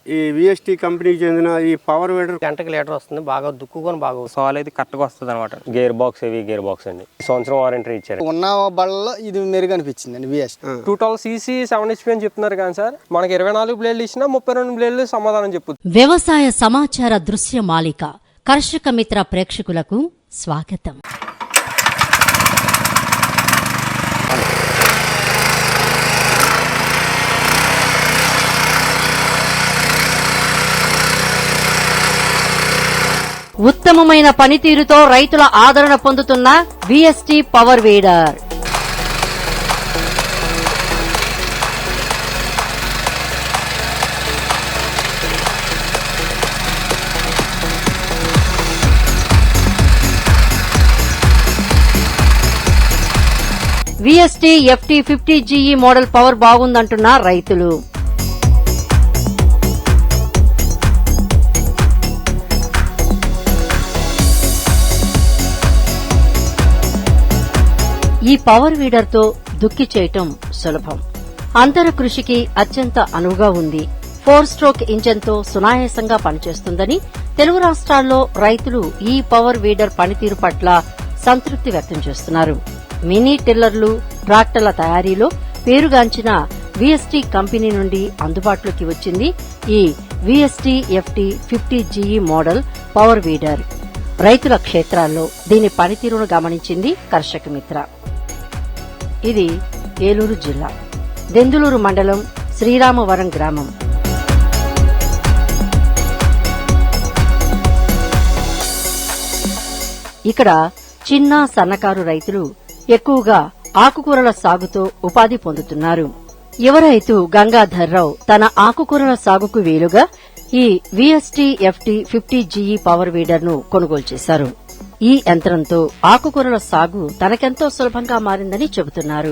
ఈ విఎస్టీ కంపెనీకి చెందిన ఈ పవర్ వీడర్ గంటకి లీటర్ వస్తుంది, బాగా దుక్కుకొని బాగా సాల్ అయితే కరెక్ట్గా వస్తుంది అనమాట. Gear box heavy gear box అండి, సంవత్సరం వారంటీ ఇచ్చారు. ఉన్న బళ్ళలో ఇది మెరుగు అనిపించింది అండి. విఎస్ 212cc 7 HP అని చెప్తున్నారు కానీ సార్, మనకి 24 బ్లేడ్లు ఇచ్చినా 32 బ్లేడ్లు సమాధానం చెప్పుద్ది. వ్యవసాయ సమాచార దృశ్య మాలిక కర్షక మిత్ర ప్రేక్షకులకు స్వాగతం. ఉత్తమమైన పనితీరుతో రైతుల ఆదరణ పొందుతున్న VST power weeder. VST FT 50GE model power బాగుందంటున్న రైతులు. ఈ పవర్ వీడర్ తో దుక్కి చేయటం సులభం, అంతర కృషికి అత్యంత అనువుగా ఉంది. 4 స్ట్రోక్ ఇంజన్ తో సునాయాసంగా పనిచేస్తుందని తెలుగు రాష్ట్రాల్లో రైతులు ఈ పవర్ వీడర్ పనితీరు పట్ల సంతృప్తి వ్యక్తం చేస్తున్నారు. మినీ టిల్లర్లు, ట్రాక్టర్ల తయారీలో పేరుగాంచిన విఎస్టీ కంపెనీ నుండి అందుబాటులోకి వచ్చింది ఈ VST FT 50GE model power weeder. రైతుల క్షేత్రాల్లో దీని పనితీరును గమనించింది కర్షక మిత్ర. ఇది ఏలూరు జిల్లా దెందులూరు మండలం శ్రీరామవరం గ్రామం. ఇక్కడ చిన్న సన్నకారు రైతులు ఎక్కువగా ఆకుకూరల సాగుతో ఉపాధి పొందుతున్నారు. యువ రైతు గంగాధర్రావు తన ఆకుకూరల సాగుకు వీలుగా ఈ VST FT 50GE power weeder ను కొనుగోలు చేశారు. ఈ యంత్రంతో ఆకుకూరల సాగు తనకెంతో సులభంగా మారిందని చెబుతున్నారు.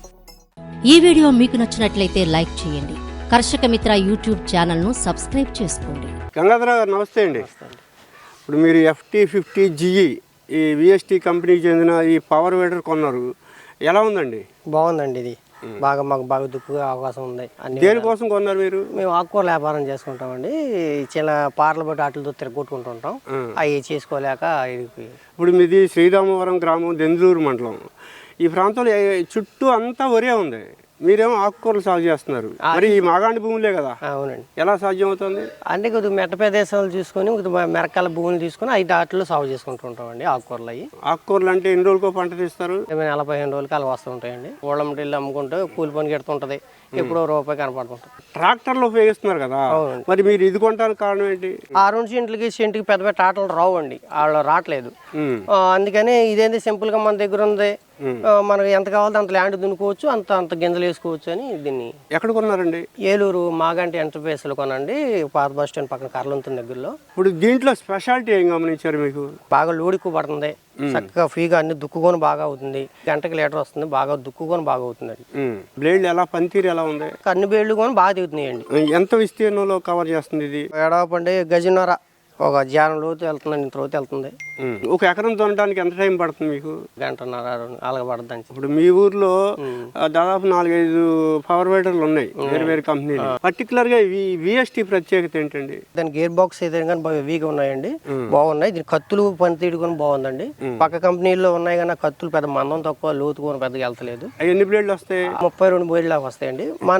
ఈ వీడియో మీకు నచ్చినట్లయితే లైక్ చేయండి. కర్షక మిత్ర యూట్యూబ్ ఛానల్ ను సబ్స్క్రైబ్ చేసుకోండి. గంగాధర గారు నమస్తే అండి. ఇప్పుడు మీరు FT 50GE ఈ విఎస్టీ కంపెనీకి చెందిన ఈ పవర్ వీడర్ కొన్నారు, ఎలా ఉందండి? బాగుందండి. ఇది మాకు బాగా దుక్కుగా అవకాశం ఉంది. దేనికోసం కొన్నారు మీరు? మేము ఆకుకూరల వ్యాపారం చేసుకుంటామండి. చిన్న పార్ల బట్టి వాటితో తిరగొట్టుకుంటుంటాం, అవి చేసుకోలేక. ఇప్పుడు మీది శ్రీరామవరం గ్రామం, దెందులూరు మండలం. ఈ ప్రాంతంలో చుట్టూ అంతా వరే ఉంది, మీరేమో ఆకుకూరలు సాగు చేస్తున్నారు. మరి ఈ మాగాండి భూములే కదా? అవునండి. ఎలా సాధ్యం అవుతుంది? అంటే కొద్దిగా మెట్ట ప్రదేశాలు చూసుకొని మెరకాల భూములు తీసుకుని అవి దాటిలో సాగు చేసుకుంటుంటామండి ఆకుకూరలు. అవి ఆకుకూరలు అంటే ఎన్ని రోజులకో పంట తీస్తారు? 40-15 రోజులకి అలా వస్తుంటాయండి. ఊళ్ళమ్మటి వెళ్ళి అమ్ముకుంటే కూలి పని కెడుతుంటది, ఎప్పుడో రూపాయి కనపడుతుంటది. ట్రాక్టర్లు ఉపయోగిస్తున్నారు కదా, మరి మీరు ఇది కొనడానికి కారణం ఏంటి? 6 సెంట్కి పెద్ద పెద్ద ఆటలు రావండి, వాళ్ళు రావట్లేదు. అందుకని ఇదేంటి సింపుల్ గా మన దగ్గర ఉంది, మనకు ఎంత కావాలో అంత ల్యాండ్ దున్నుకోవచ్చు, అంత గింజలు వేసుకోవచ్చు అని దీన్ని. ఎక్కడ కొన్నారండి? ఏలూరు మాగంటి ఎంటర్ప్రైస్ లో కొనండి, పాత బస్ స్టాండ్ పక్కన కర్లంతుని దగ్గరలో. ఇప్పుడు దీంట్లో స్పెషాలిటీ ఏం గమనించారు మీకు? బాగా లోడ్ ఎక్కువ పడుతుంది, చక్కగా ఫ్రీగా అన్ని దుక్కుకొని బాగా అవుతుంది. గంటకి లీటర్ వస్తుంది, బాగా దుక్కుకొని బాగా అవుతుంది. బ్లేడ్ ఎలా, పనితీరు ఎలా ఉంది? అన్ని బ్లేడ్లు కొని బాగా దిగుతున్నాయండి. ఎంత విస్తీర్ణంలో కవర్ చేస్తుంది ఇది? ఏడాపండి గజన్నర, ఒక జానం లోతు వెళ్తుందండి, ఇంత లోతు వెళ్తుంది. ఒక ఎకరం దున్నడానికి ఎంత టైం పడుతుంది మీకు? గంటన్నర అలాగ పడుతుంది. ఇప్పుడు మీ ఊర్లో దాదాపు 4-5 పవర్ వీడర్లు ఉన్నాయి, వేరు వేరు కంపెనీలు. పర్టికులర్ గా విఎస్టీ ప్రత్యేకత ఏంటండి? దాని గేర్ బాక్స్ అయితే కానీ హెవీగా ఉన్నాయండి, బాగున్నాయి. దీని కత్తులు పనితీడు కూడా బాగుందండి. పక్క కంపెనీల్లో ఉన్నాయి కానీ కత్తులు పెద్ద మందం తక్కువ, లోతు కూడా పెద్దగా వెళ్తలేదు. ఎన్ని బ్లేడ్లు వస్తాయి? 32 బ్లేడ్లు వస్తాయండి. మన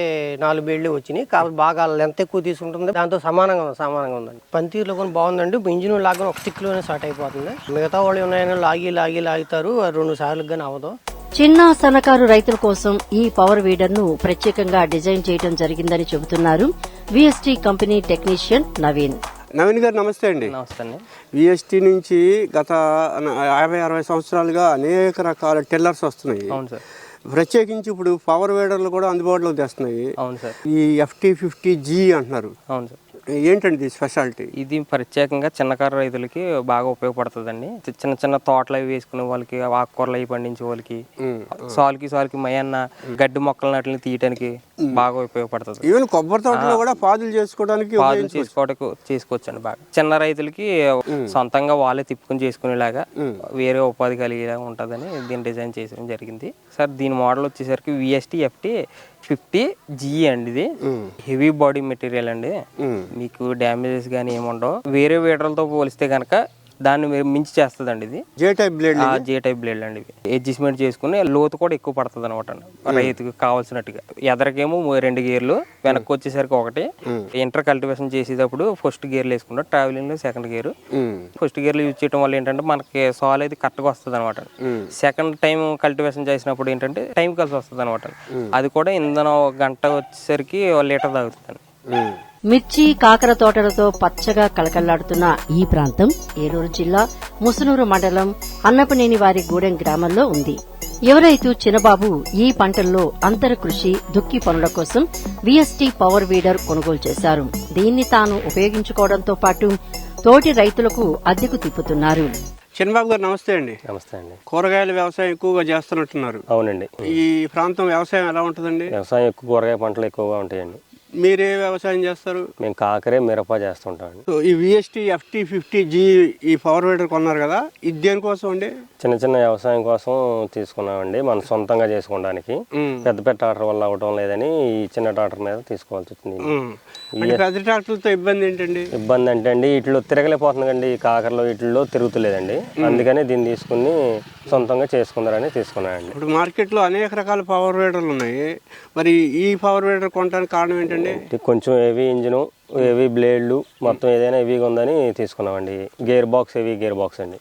24 బ్లేడ్లు వచ్చినాయి. కాబట్టి బాగా లెంత్ ఎక్కువ తీసుకుంటుంది, దాంతో సమానంగా ఉందండి. పనితీరులో కూడా బాగుందండి. ఇంజిన్ లాగా ఒక స్టిక్లోనే స్టార్ట్ అయిపోతుంది. మిగతా వాళ్ళు ఉన్నాయని లాగుతారు, 2 సార్లు కానీ అవ్వదు. చిన్న సన్నకారు రైతుల కోసం ఈ పవర్ వీడర్ ను ప్రత్యేకంగా డిజైన్ చేయడం జరిగిందని చెబుతున్నారు VST company technician Naveen. Naveen గారు నమస్తే అండి. నమస్తే అండి. విఎస్టీ నుంచి గత 50-60 సంవత్సరాలుగా అనేక రకాల టిల్లర్స్ వస్తున్నాయి. అవును సార్. ప్రత్యేకించి ఇప్పుడు పవర్ వీడర్లు కూడా అందుబాటులోకి తెస్తున్నాయి. అవును సార్. ఈ FT 50GE అంటున్నారు. అవును సార్. ఏంటండి స్పెషాలిటీ? ఇది ప్రత్యేకంగా చిన్నకారు రైతులకి బాగా ఉపయోగపడుతుందండి. చిన్న చిన్న తోటలు అవి వేసుకునే వాళ్ళకి, ఆకుకూరలు అవి పండించే వాళ్ళకి, సాలుకి మయన్న గడ్డి మొక్కలు నాటిని తీయడానికి బాగా ఉపయోగపడుతుంది. ఈవెన్ కొబ్బరి తోటలో కూడా పాదులు చేసుకోవడానికి చేసుకోవచ్చండి. బాగా చిన్న రైతులకి సొంతంగా వాళ్ళే తిప్పుకొని చేసుకునేలాగా వేరే ఉపాధి కలిగేలాగా ఉంటుందని దీన్ని డిజైన్ చేయడం జరిగింది సార్. దీని మోడల్ వచ్చేసరికి విఎస్టీ FT 50G అండి. ఇది హెవీ బాడీ మెటీరియల్ అండి. మీకు డ్యామేజెస్ కానీ ఏముండవు. వేరే వీడర్లతో పోలిస్తే కనుక దాన్ని మించి చేస్తుందండి. ఇది జే టైప్ బ్లేడ్ బ్లేడ్ అండి. ఇవి అడ్జస్ట్మెంట్ చేసుకుని లోతు కూడా ఎక్కువ పడుతుంది అనమాట రైతుకి కావాల్సినట్టుగా. ఎదరికేమో 2 గేర్లు, వెనక్కి వచ్చేసరికి 1. ఇంటర్ కల్టివేషన్ చేసేటప్పుడు ఫస్ట్ గేర్లు వేసుకుంటాం. ట్రావెలింగ్ లో సెకండ్ గేర్. ఫస్ట్ గేర్లు యూజ్ చేయడం వల్ల ఏంటంటే మనకి సాల్ అయితే కరెక్ట్గా వస్తుంది అనమాట. సెకండ్ టైం కల్టివేషన్ చేసినప్పుడు ఏంటంటే టైం కలిసి వస్తుంది అనమాట. అది కూడా ఇంధనం 1 గంట వచ్చేసరికి 1 లీటర్ తాగుతుంది. మిర్చి, కాకర తోటలతో పచ్చగా కళకళ్లాడుతున్న ఈ ప్రాంతం ఏలూరు జిల్లా ముసునూరు మండలం అన్నపనేనివారి గూడెం గ్రామంలో ఉంది. యువ రైతు చిన్నబాబు ఈ పంటల్లో అంతర కృషి దుక్కి పనుల కోసం VST పవర్ వీడర్ కొనుగోలు చేశారు. దీన్ని తాను ఉపయోగించుకోవడంతో పాటు తోటి రైతులకు అద్దెకు తిప్పుతున్నారు. చిన్నబాబు గారు నమస్తే అండి. నమస్తే అండి. కూరగాయల వ్యవసాయం ఎక్కువగా చేస్తున్నట్టున్నారు. అవునండి. ఈ ప్రాంతం వ్యవసాయం ఎలా ఉంటుందండి? వ్యవసాయం ఎక్కువ కూరగాయ పంటలు ఎక్కువగా ఉంటాయండి. మీరే వ్యవసాయం చేస్తారు? మేము కాకరే మిరప చేస్తుంటాం. సో ఈ VST FT50G ఈ పవర్ వీడర్ కొన్నారు కదా, ఇది దేనికోసం అండి? చిన్న చిన్న వ్యవసాయం కోసం తీసుకున్నామండి, మనం సొంతంగా చేసుకోవడానికి. పెద్ద ట్రాక్టర్ వల్ల అవటం లేదని ఈ చిన్న ట్రాక్టర్ మీద తీసుకోవాల్సి వచ్చింది. పెద్ద ట్రాక్టర్లతో ఇబ్బంది ఏంటండి? ఇబ్బంది అంటే అండి వీటిలో తిరగలేకపోతుందండి. ఈ కాకరలో వీటిల్లో తిరుగుతులేదండి. అందుకని దీన్ని తీసుకుని సొంతంగా చేసుకుందారని తీసుకున్నానండి. ఇప్పుడు మార్కెట్లో అనేక రకాల పవర్ వీడర్లు ఉన్నాయి. మరి ఈ పవర్ వీడర్ కొనడానికి కారణం ఏంటండి? కొంచెం హెవీ ఇంజిన్, హెవీ బ్లేడ్లు, మొత్తం ఏదైనా హెవీగా ఉందని తీసుకున్నామండి. Gear box, heavy gear box అండి.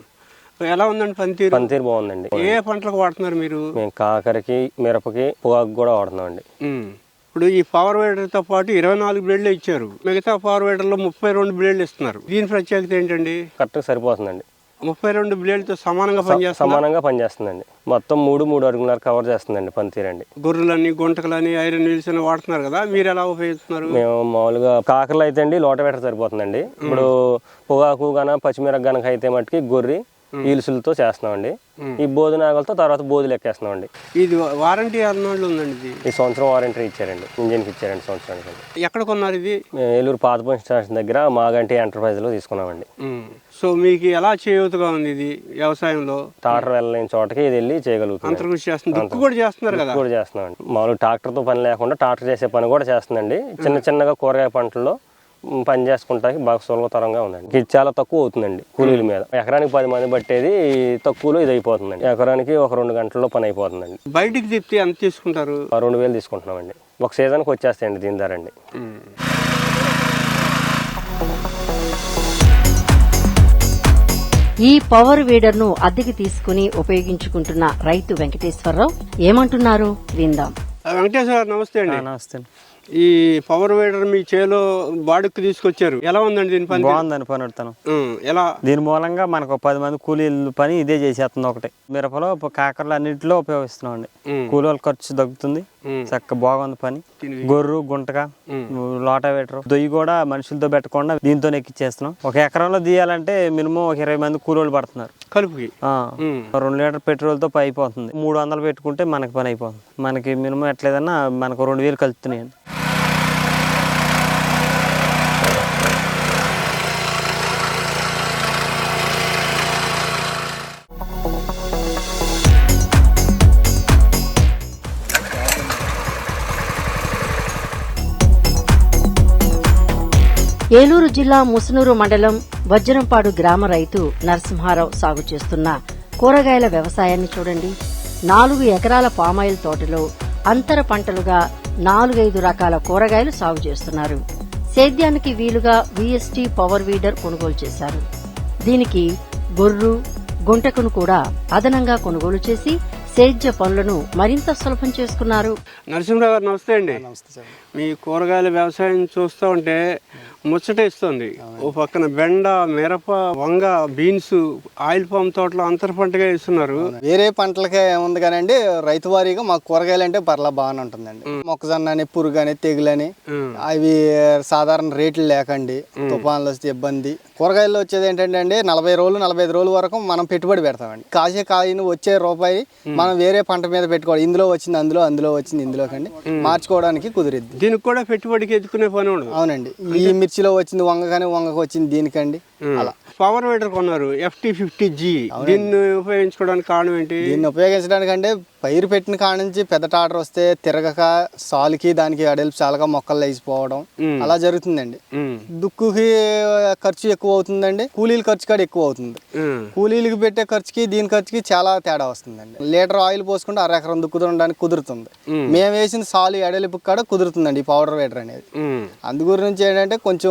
ఎలా ఉందండి పనితీరు? పనితీరు బాగుందండి. ఏ పంటలకు వాడుతున్నారు మీరు? మేము కాకరకి, మిరపకి, పొగాకు కూడా వాడుతున్నామండి. ఇప్పుడు ఈ పవర్ వీడర్తో పాటు 24 బ్లేడ్లు ఇచ్చారు. మిగతా పవర్ వీడర్లో 32 బ్లేడ్లు ఇస్తున్నారు. దీని ప్రత్యేకత ఏంటండి? కరెక్ట్గా సరిపోతుందండి. 32 బ్లేడ్లతో సమానంగా పనిచేస్తుందండి. మొత్తం 3 అడుగున్నర కవర్ చేస్తుందండి పనితీరండి. గొర్రెలని, గుంటకలని, ఐరన్ వీల్స్ అని వాడుతున్నారు కదా, మీరు ఎలా ఉపయోగిస్తున్నారు? మేము మామూలుగా కాకరలు అయితే అండి లోట వేటర్ సరిపోతుందండి. ఇప్పుడు పొగాకు గన, పచ్చిమిరప గనక అయితే మట్టుకి గొర్రె ఈల్సులతో చేస్తున్నామండి. ఈ బోధు నాగలతో తర్వాత బోధులు ఎక్కేస్తున్నామండి. ఇది వారంటీ అన్నోళ్ళు ఉందండి. ఈ సంవత్సరం వారంటీ ఇచ్చారండి, ఇంజిన్కి ఇచ్చారండి సంవత్సరానికి. ఎక్కడ కొన్నారు ఇది? ఏలూరు పాత పోలీస్ స్టేషన్ దగ్గర మాగంటి ఎంటర్ప్రైజ్ లో తీసుకున్నామండి. సో మీకు ఎలా చేయూతగా ఉంది ఇది వ్యవసాయంలో? ట్రాక్టర్ వెళ్ళలేని చోటకి ఇది వెళ్ళి చేయగలుగుతుంది. అంతర్కృషి చేస్తుంది. దుక్కు కూడా చేస్తున్నారు కదా? కూడా చేస్తున్నామండి. మామూలుగా ట్రాక్టర్తో పని లేకుండా ట్రాక్టర్ చేసే పని కూడా చేస్తుందండి. చిన్నగా కూరగాయ పంటల్లో పని చేసుకుంటానికి బాగా సులభతరంగా ఉందండి. ఇది చాలా తక్కువ అవుతుందండి కూలీల మీద. ఎకరానికి 10 మంది పట్టేది తక్కువలో ఇది అయిపోతుందండి. ఎకరానికి 1-2 గంటల్లో పని అయిపోతుందండి. బయటికి తిప్పి ఎంత తీసుకుంటారు? 2000 తీసుకుంటున్నామండి. ఒక సీజన్కి వచ్చేస్తాయండి దీని ధర అండి. ఈ పవర్ వీడర్ ను అద్దెకి తీసుకుని ఉపయోగించుకుంటున్న రైతు వెంకటేశ్వరరావు ఏమంటున్నారు విందాం. వెంకటేశ్వర నమస్తే అండి. నమస్తే. ఈ పవర్ వీడర్ మీ చేలో బాడుక్కి తీసుకొచ్చారు, ఎలా ఉందండి దీని పని? బాగుందని పని పెడతాను. ఎలా? దీని మూలంగా మనకు 10 మంది కూలీల పని ఇదే చేసేస్తుంది. ఒకటి మిరపలో, కాకరలు అన్నింటిలో ఉపయోగిస్తున్నాం అండి. కూలీల ఖర్చు తగ్గుతుంది, చక్కగా బాగుంది పని. గొర్రు, గుంటక, లోటావేటర్, దొయ్యి కూడా మనుషులతో పెట్టకుండా దీంతో ఎక్కిచ్చేస్తున్నాం. 1 ఎకరంలో తీయాలంటే మినిమం 20 మంది కూలీలు పడుతున్నారు కలుపుకి. 2 లీటర్ పెట్రోల్ తో అయిపోతుంది. 300 పెట్టుకుంటే మనకి పని అయిపోతుంది. మనకి మినిమం ఎట్లేదన్నా మనకు 2000 కలుపుతున్నాయండి. ఏలూరు జిల్లా ముసునూరు మండలం వజ్రంపాడు గ్రామ రైతు నరసింహారావు సాగు చేస్తున్న కూరగాయల వ్యవసాయాన్ని చూడండి. 4 ఎకరాల పామాయిల్ తోటలో అంతర పంటలుగా 4-5 రకాల కూరగాయలు సాగు చేస్తున్నారు. సేద్యానికి వీలుగా VST పవర్ వీడర్ కొనుగోలు చేశారు. దీనికి గొర్రు, గుంటకును కూడా అదనంగా కొనుగోలు చేసి సేద్య పనులను మరింత సులభం చేసుకున్నారు. నరసింహరావు గారు నమస్తే అండి. మీ కూరగాయల వ్యవసాయం చూస్తూ ఉంటే ముచ్చట ఇస్తుంది. ఓ పక్కన బెండ, మిరప, వంగ, బీన్స్, ఆయిల్ పామ్ తోటలో అంతర పంటగా వేస్తున్నారు. వేరే పంటలకే ఉంది కానండి, రైతు వారీగా మాకు కూరగాయలు అంటే పర్లా బాగానే ఉంటుందండి. మొక్కజొన్న అని, పురుగు అని, తెగులని అవి సాధారణ రేట్లు లేకండి, తుఫాన్లు వస్తే ఇబ్బంది. కూరగాయల్లో వచ్చేది ఏంటంటే అండి 40 రోజులు 45 రోజుల వరకు మనం పెట్టుబడి పెడతామండి. కాసే కాయను వచ్చే రూపాయి మనం వేరే పంట మీద పెట్టుకోవాలి. ఇందులో వచ్చింది అందులో, అందులో వచ్చింది ఇందులో కండి మార్చుకోవడానికి కుదిరిద్ది. దీనికి కూడా పెట్టుబడికి ఎత్తుకునే పని ఉండదు. అవునండి. ఈ మిర్చిలో వచ్చింది వంగ కానీ వంగకు వచ్చింది దీనికండి. అలా పవర్ వీడర్ కొన్నారు FT50G. దీన్ని ఉపయోగించుకోవడానికి కారణం ఏంటి? దీన్ని ఉపయోగించడానికి అంటే పైరు పెట్టిన కాడ నుంచి పెద్ద టాటర్ వస్తే తిరగక సాలుకి దానికి అడెల్పు చాలక మొక్కలు లేచిపోవడం అలా జరుగుతుందండి. దుక్కుకి ఖర్చు ఎక్కువ అవుతుందండి, కూలీల ఖర్చు కూడా ఎక్కువ అవుతుంది. కూలీలకి పెట్టే ఖర్చుకి దీని ఖర్చుకి చాలా తేడా వస్తుందండి. లీటర్ ఆయిల్ పోసుకుంటే 1/2 ఎకరం దుక్కు దున్నడానికి కుదురుతుంది. మేము వేసిన సాలు ఎడలిపు కూడా కుదురుతుందండి ఈ పౌడర్ వేటర్ అనేది. అందు గురించి ఏంటంటే కొంచెం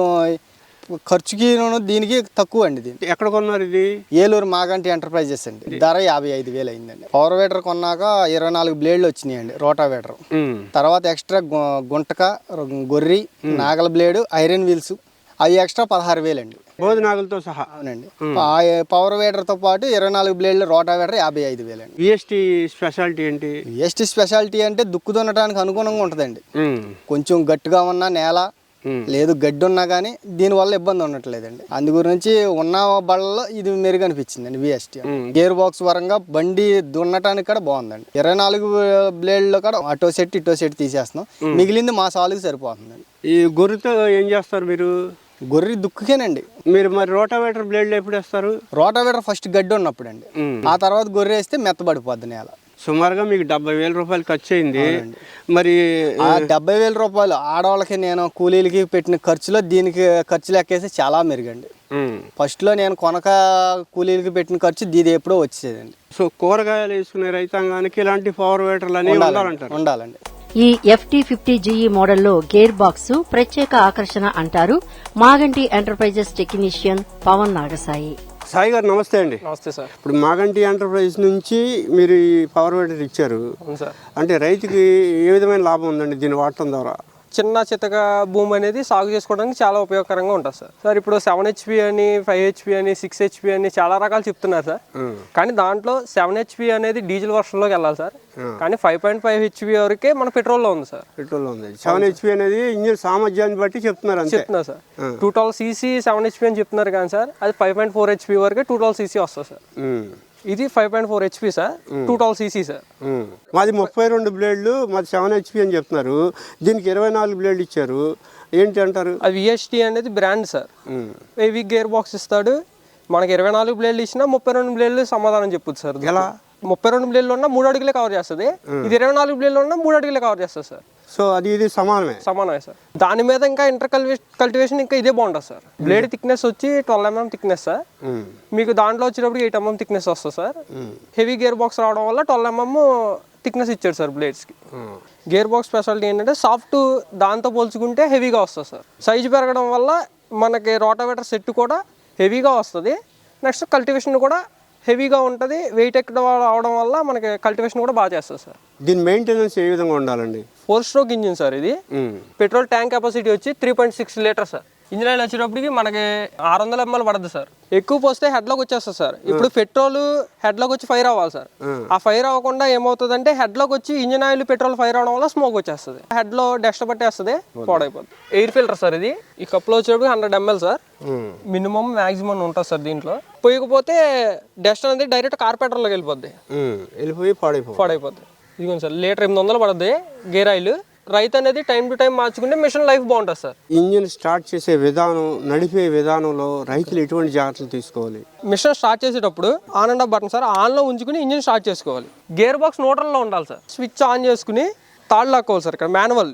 ఖర్చుకి దీనికి తక్కువ అండి. దీనికి ఎక్కడ కొన్నారు ఇది? ఏలూరు మాగంటి ఎంటర్ప్రైజెస్ అండి. ధర 55,000 అయిందండి. పవర్ వేటర్ కొన్నాక 24 బ్లేడ్లు వచ్చినాయండి రోటావేటర్. తర్వాత ఎక్స్ట్రా గుంటక, గొర్రి, నాగల బ్లేడు, ఐరన్ వీల్స్ అవి ఎక్స్ట్రా 16,000 అండి. బోధనాగులతో సహా. అవునండి. పవర్ వేటర్తో పాటు 24 బ్లేడ్లు రోటావేటర్ 55,000 అండి. VST speciality VST? విఎస్టీ స్పెషాలిటీ అంటే దుక్కు దున్నడానికి అనుగుణంగా ఉంటుందండి. కొంచెం గట్టిగా ఉన్న నేల లేదు గడ్డి ఉన్నా కానీ దీనివల్ల ఇబ్బంది ఉండట్లేదండి. అందు గురించి ఉన్న బళ్ళలో ఇది మెరుగు అనిపించిందండి విఎస్టీ. గేర్ బాక్స్ పరంగా బండి దున్నటానికి కూడా బాగుందండి. 24 బ్లేడ్లో కూడా అటో సెట్ ఇటో సెట్ తీసేస్తున్నాం, మిగిలింది మా సాలుకి సరిపోతుందండి. ఈ గొర్రెతో ఏం చేస్తారు మీరు? గొర్రె దుక్కుకేనండి. మీరు మరి రోటావేటర్ బ్లేడ్లు ఎప్పుడు వేస్తారు? రోటావేటర్ ఫస్ట్ గడ్డి ఉన్నప్పుడు అండి, ఆ తర్వాత గొర్రె వేస్తే మెత్తబడిపోద్ది నేల. సుమారుగా మీకు 70,000 రూపాయలు ఖర్చు అయింది. మరి ఆ 70,000 రూపాయలు ఆడవాళ్ళకి నేను కూలీలకి పెట్టిన ఖర్చులో దీనికి ఖర్చు లెక్కేసి చాలా మెరుగండి. ఫస్ట్లో నేను కొనక కూలీలకి పెట్టిన ఖర్చు దీది ఎప్పుడో వచ్చేదండి. సో కూరగాయలు వేసుకునే రైతాంగానికి ఇలాంటి పవర్ వేటర్లు అనేవి ఉండాలండి. ఈ FT50GE మోడల్లో గేర్ బాక్స్ ప్రత్యేక ఆకర్షణ అంటారు మాగంటి ఎంటర్ప్రైజెస్ టెక్నీషియన్ పవన్ నాగసాయి. సాయి గారు నమస్తే అండి. నమస్తే సార్. ఇప్పుడు మాగంటి ఎంటర్ప్రైజ్ నుంచి మీరు ఈ పవర్ వేటర్ ఇచ్చారు. అవును సార్. అంటే రైతుకి ఏ విధమైన లాభం ఉందండి దీన్ని వాడటం ద్వారా? చిన్న చితక భూమి అనేది సాగు చేసుకోవడానికి చాలా ఉపయోగకరంగా ఉంటుంది సార్. సార్ ఇప్పుడు 7 HP అని 5 HP అని 6 HP అని చాలా రకాలు చెప్తున్నారు సార్. కానీ దాంట్లో 7 HP అనేది డీజిల్ వర్షన్లోకి వెళ్ళాలి సార్. కానీ 5.5 HP వరకే మన పెట్రోల్లో ఉంది సార్. పెట్రోల్లో ఉంది. 7 HP అనేది ఇంజిన్ సామర్థ్యాన్ని బట్టి చెప్తున్నారు సార్. 212cc 7 HP అని చెప్తున్నారు కానీ సార్ అది 5.4 HP వరకే 212cc వస్తుంది సార్. ఇది 5.4 HP సార్, 212cc సార్. మాది 32 బ్లేడ్లు, మాది 7 HP అని చెప్తున్నారు. దీనికి 24 బ్లేడ్లు ఇచ్చారు, ఏంటి అంటారు? అది VST అనేది brand sir. Heavy gear box ఇస్తాడు. మనకి 24 బ్లేడ్లు ఇచ్చినా 32 బ్లేడ్లు సమాధానం చెప్పొచ్చు సార్. ఎలా? 32 బ్లేడ్లు ఉన్నా 3 అడుగులే కవర్ చేస్తుంది. ఇది 24 బ్లేడ్లు ఉన్నా 3 అడుగులే కవర్ చేస్తుంది సార్. సో అది ఇది సమానమే సార్. దాని మీద ఇంకా ఇంటర్ కల్టివేషన్ ఇంకా ఇదే బాగుంటుంది సార్. బ్లేడ్ థిక్నెస్ వచ్చి 12 mm థిక్నెస్ సార్. మీకు దాంట్లో వచ్చేటప్పుడు 8 mm థిక్నెస్ వస్తుంది సార్. హెవీ గేర్ బాక్స్ రావడం వల్ల 12 mm థిక్నెస్ ఇచ్చాడు సార్ బ్లేడ్స్కి. గేర్ బాక్స్ స్పెషాలిటీ ఏంటంటే సాఫ్ట్ దాంతో పోల్చుకుంటే హెవీగా వస్తుంది సార్. సైజు పెరగడం వల్ల మనకి రోటావేటర్ సెట్ కూడా హెవీగా వస్తుంది. నెక్స్ట్ కల్టివేషన్ కూడా హెవీగా ఉంటుంది. వెయిట్ ఎక్కువ అవడం వల్ల మనకి కల్టివేషన్ కూడా బాగా చేస్తుంది సార్. దీని మెయింటెనెన్స్ ఏ విధంగా ఉండాలండి? 4 స్ట్రోక్ ఇంజిన్ సార్. ఇది పెట్రోల్ ట్యాంక్ కెపాసిటీ వచ్చి 3.6 లీటర్ సార్. ఇంజిన్ ఆయిల్ వచ్చేటప్పటికి మనకి 600 ml పడుతుంది సార్. ఎక్కువ పోస్తే హెడ్లోకి వచ్చేస్తుంది సార్. ఇప్పుడు పెట్రోల్ హెడ్లోకి వచ్చి ఫైర్ అవ్వాలి సార్. ఆ ఫైర్ అవ్వకుండా ఏమవుతుందంటే హెడ్లోకి వచ్చి ఇంజిన్ ఆయిల్ పెట్రోల్ ఫైర్ అవడం వల్ల స్మోక్ వచ్చేస్తుంది. హెడ్లో డస్ట్ పట్టేస్తుంది, పాడైపోతుంది. ఎయిర్ ఫిల్టర్ సార్ ఇది. ఈ కప్లో వచ్చేటప్పుడు 100 ml సార్. మినిమం మ్యాక్సిమం ఉంటుంది సార్. దీంట్లో పోయకపోతే డస్ట్ అనేది డైరెక్ట్ కార్పెంటర్లోకి వెళ్ళిపోద్ది, వెళ్ళిపోయి పాడైపోద్ది. ఇదిగోండి సార్, లీటర్ 800 పడుతుంది గేర్ ఆయిల్. రైతు అనేది టైం టు టైం మార్చుకుంటే మిషన్ లైఫ్ బాగుంటుంది సార్. ఇంజిన్ స్టార్ట్ చేసే విధానం, నడిపే విధానంలో రైతులు ఎటువంటి జాగ్రత్తలు తీసుకోవాలి? మిషన్ స్టార్ట్ చేసేటప్పుడు on and off button sir ఆన్లో ఉంచుకుని ఇంజిన్ స్టార్ట్ చేసుకోవాలి. గేర్ బాక్స్ న్యూట్రల్లో ఉండాలి సార్. స్విచ్ ఆన్ చేసుకుని తాళ్ళు లాక్కోవాలి సార్. ఇక్కడ మాన్యువల్.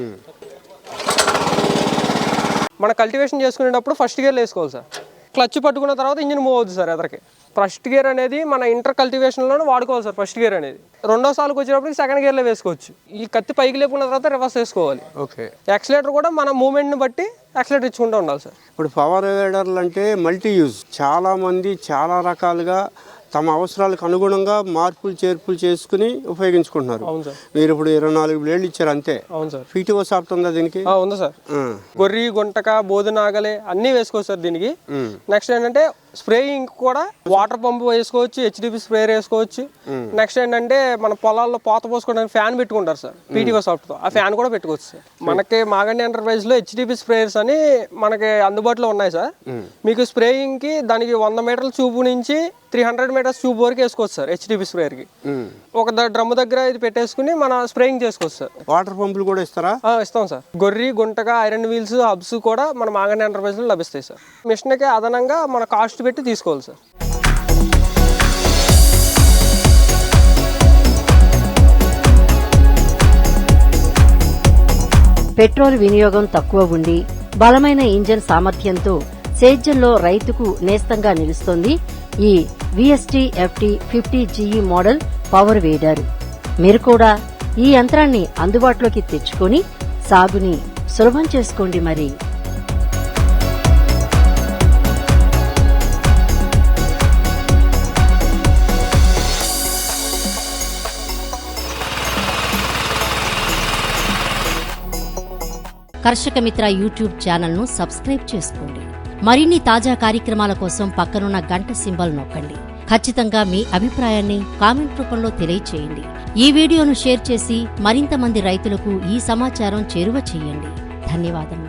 మన కల్టివేషన్ చేసుకునేటప్పుడు ఫస్ట్ గేర్లో వేసుకోవాలి సార్. క్లచ్ పట్టుకున్న తర్వాత ఇంజిన్ మూవ్ అవుతుంది సార్ ఎదరికి. ఫస్ట్ గేర్ అనేది మన ఇంటర్ కల్టివేషన్లోనే వాడుకోవాలి సార్. ఫస్ట్ గేర్ అనేది రెండో సార్కి వచ్చేటప్పటికి సెకండ్ గేర్లో వేసుకోవచ్చు. ఈ కత్తి పైకి లేపుకున్న తర్వాత రివర్స్ వేసుకోవాలి. ఓకే. యాక్సిలేటర్ కూడా మన మూమెంట్ని బట్టి యాక్సిలేటర్ ఇచ్చుకుంటూ ఉండాలి సార్. ఇప్పుడు పవర్ వేడర్లు అంటే మల్టీ యూజ్, చాలామంది చాలా రకాలుగా తమ అవసరాలకు అనుగుణంగా మార్పులు చేర్పులు చేసుకుని ఉపయోగించుకుంటున్నారు. అవును సార్. మీరు ఇప్పుడు 24 బ్లేడ్లు ఇచ్చారు అంతే. అవును సార్. PTO సాఫ్ట్ ఉందా దీనికి? ఉంది సార్. గొర్రి, గుంటక, బోధనాగలే అన్నీ వేసుకోవచ్చు సార్ దీనికి. నెక్స్ట్ ఏంటంటే స్ప్రేయింగ్ కూడా వాటర్ పంప్ వేసుకోవచ్చు, HDP స్ప్రేయర్ వేసుకోవచ్చు. నెక్స్ట్ ఏంటంటే మన పొలాల్లో పోత పోసుకోవడానికి ఫ్యాన్ పెట్టుకుంటారు సార్ PTO సాఫ్ట్తో. ఆ ఫ్యాన్ కూడా పెట్టుకోవచ్చు సార్. మనకి మాగంటి ఎంటర్ప్రైజ్లో HDP స్ప్రేయర్స్ అని మనకి అందుబాటులో ఉన్నాయి సార్. మీకు స్ప్రేయింగ్కి దానికి 100 మీటర్ల చూపు నుంచి 300 మీటర్స్ ట్యూబ్ వరకు వేసుకోవచ్చు సార్. HDP స్ప్రేయర్కి ఒక డ్రమ్ దగ్గర ఇది పెట్టేసుకుని మన స్ప్రేయింగ్ చేసుకోవచ్చు సార్. వాటర్ పంపులు కూడా ఇస్తారా? ఇస్తాం సార్. గొర్రి, గుంటగా, ఐరన్ వీల్స్, హబ్స్ కూడా మన మాగంటి ఎంటర్ప్రైజ్లో లభిస్తాయి సార్. మిషన్కి అదనంగా మన కాస్ట్ పెట్టి తీసుకోవాలి సార్. పెట్రోల్ వినియోగం తక్కువ ఉండి బలమైన ఇంజన్ సామర్థ్యంతో సేద్యంలో రైతుకు నేస్తంగా నిలుస్తోంది ఈ VST FT 50GE model power weeder. మీరు కూడా ఈ యంత్రాన్ని అందుబాటులోకి తెచ్చుకొని సాగుని సులభం చేసుకోండి మరి. కర్షక మిత్ర యూట్యూబ్ ఛానల్ను సబ్స్క్రైబ్ చేసుకోండి. మరిన్ని తాజా కార్యక్రమాల కోసం పక్కనున్న గంట సింబల్ నొక్కండి. ఖచ్చితంగా మీ అభిప్రాయాన్ని కామెంట్ రూపంలో తెలియచేయండి. ఈ వీడియోను షేర్ చేసి మరింత మంది రైతులకు ఈ సమాచారం చేరువ చేయండి. ధన్యవాదములు.